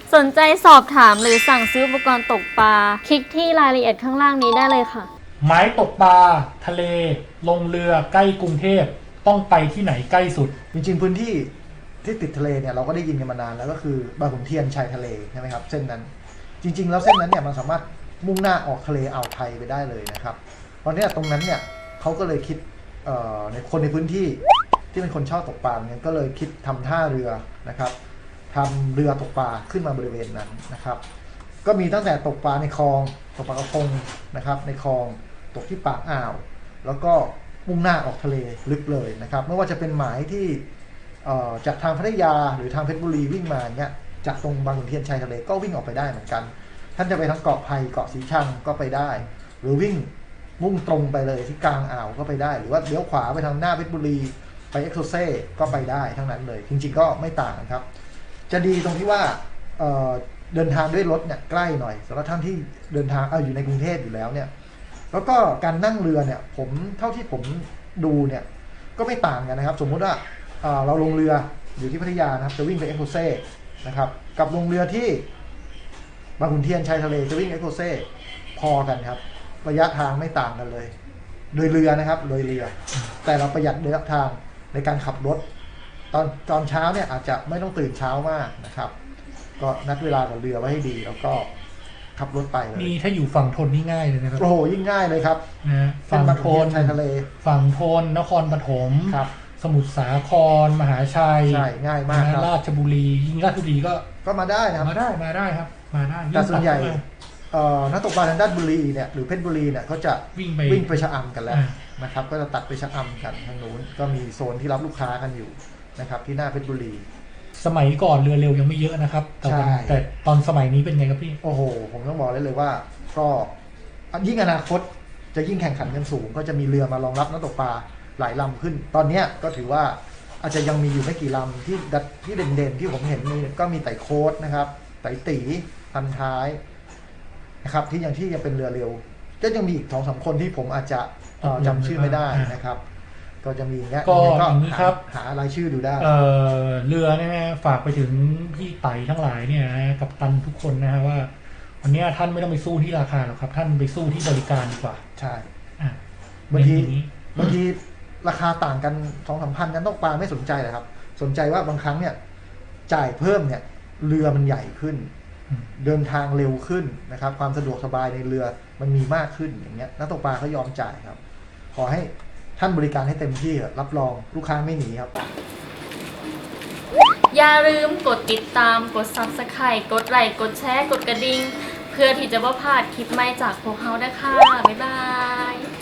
สนใจสอบถามหรือสั่งซื้ออุปกรณ์ตกปลาคลิกที่รายละเอียดข้างล่างนี้ได้เลยค่ะไม้ตกปลาทะเลลงเรือใกล้กรุงเทพต้องไปที่ไหนใกล้สุดจริงๆพื้นที่ที่ติดทะเลเนี่ยเราก็ได้ยินกันมานานแล้วก็คือบางขุนเทียนชายทะเลใช่ไหมครับเส้นนั้นจริงๆแล้วเส้นนั้นเนี่ยมันสามารถมุ่งหน้าออกทะเลอ่าวไทยไปได้เลยนะครับตอนนี้ตรงนั้นเนี่ยเขาก็เลยคิดในคนในพื้นที่ที่เป็นคนชอบตกปลาเนี่ยก็เลยคิดทำท่าเรือนะครับทำเรือตกปลาขึ้นมาบริเวณนั้นนะครับก็มีตั้งแต่ตกปลาในคลองตกปลากระพงนะครับในคลองตกที่ปากอ่าวแล้วก็มุ่งหน้าออกทะเลลึกเลยนะครับไม่ว่าจะเป็นหมายที่จากทางพัทยาหรือทางเพชรบุรีวิ่งมาเนี่ยจากตรงบางขุนเทียนชายทะเลก็วิ่งออกไปได้เหมือนกันท่านจะไปทางเกาะไผ่เกาะสีชังก็ไปได้หรือวิ่งมุ่งตรงไปเลยที่กลางอ่าวก็ไปได้หรือว่าเลี้ยวขวาไปทางหน้าเพชรบุรีไปเอ็กโซเซ่ก็ไปได้ทั้งนั้นเลยจริงๆก็ไม่ต่างกันครับจะดีตรงที่ว่าเดินทางด้วยรถเนี่ยใกล้หน่อยสำหรับท่านที่เดินทางอยู่ในกรุงเทพอยู่แล้วเนี่ยแล้วก็การนั่งเรือเนี่ยผมเท่าที่ผมดูเนี่ยก็ไม่ต่างกันนะครับสมมุติว่าเราลงเรืออยู่ที่พัทยานะครับจะวิ่งไปเอ็กโซเซ่นะครับกับลงเรือที่บางขุนเทียนชายทะเลจะวิ่งเอ็กโซเซ่พอกันครับระยะทางไม่ต่างกันเลยโดยเรือนะครับโดยเรือแต่เราประหยัดระยะทางในการขับรถตอนเช้าเนี่ยอาจจะไม่ต้องตื่นเช้ามากนะครับก็นัดเวลากับเรือไว้ให้ดีแล้วก็ขับรถไปเลยนี่ถ้าอยู่ฝั่งทนนี่ง่ายเลยนะครับโอ้โหยิ่งง่ายเลยครับนะฝั่งทนชายทะเลฝั่งทนนครปฐมครับสมุทรสาครมหาชัยใช่ง่ายมากครับราชบุรียิ่งราชบุรีก็มาได้นะครับมาได้ครับมาได้แต่ส่วนใหญ่นักตกปลาทางด้านบุรีเนี่ยหรือเพชรบุรีเนี่ยเขาจะวิ่งไปชะอำกันแล้วนะครับก็จะตัดไปชะอำกันทางนู้นก็มีโซนที่รับลูกค้ากันอยู่นะครับที่หน้าเพชรบุรีสมัยก่อนเรือเร็วยังไม่เยอะนะครับแต่ตอนสมัยนี้เป็นไงครับพี่โอ้โหผมต้องบอกเลยว่าก็ยิ่งอนาคตจะยิ่งแข่งขันกันสูงก็จะมีเรือมารองรับนักตกปลาหลายลำขึ้นตอนนี้ก็ถือว่าอาจจะยังมีอยู่ไม่กี่ลำที่เด่นๆที่ผมเห็นก็มีไต่โค้ดนะครับไต่ตีพันท้ายนะครับที่ยังเป็นเรือเร็วก็ยังมีอีก2-3คนที่ผมอาจจะจำชื่อไม่ได้นะครับก็จะมีเงี้ยก็อย่างนี้ครับหารายชื่อดูได้เรือเนี่ยฝากไปถึงพี่ไต่ทั้งหลายเนี่ยกับตันทุกคนนะฮะว่าวันนี้ท่านไม่ต้องไปสู้ที่ราคาหรอกครับท่านไปสู้ที่บริการดีกว่าใช่บางทีราคาต่างกัน2-3 พันกันตกปลาไม่สนใจเลยครับสนใจว่าบางครั้งเนี่ยจ่ายเพิ่มเนี่ยเรือมันใหญ่ขึ้นเดินทางเร็วขึ้นนะครับความสะดวกสบายในเรือมันมีมากขึ้นอย่างเงี้ยนักตกปลาเขายอมจ่ายครับขอให้ท่านบริการให้เต็มที่รับรองลูกค้าไม่หนีครับอย่าลืมกดติดตามกด Subscribe กดไลค์กดแชร์กดกระดิ่งเพื่อที่จะไม่พลาดคลิปใหม่จากพวกเรานะคะบ๊ายบาย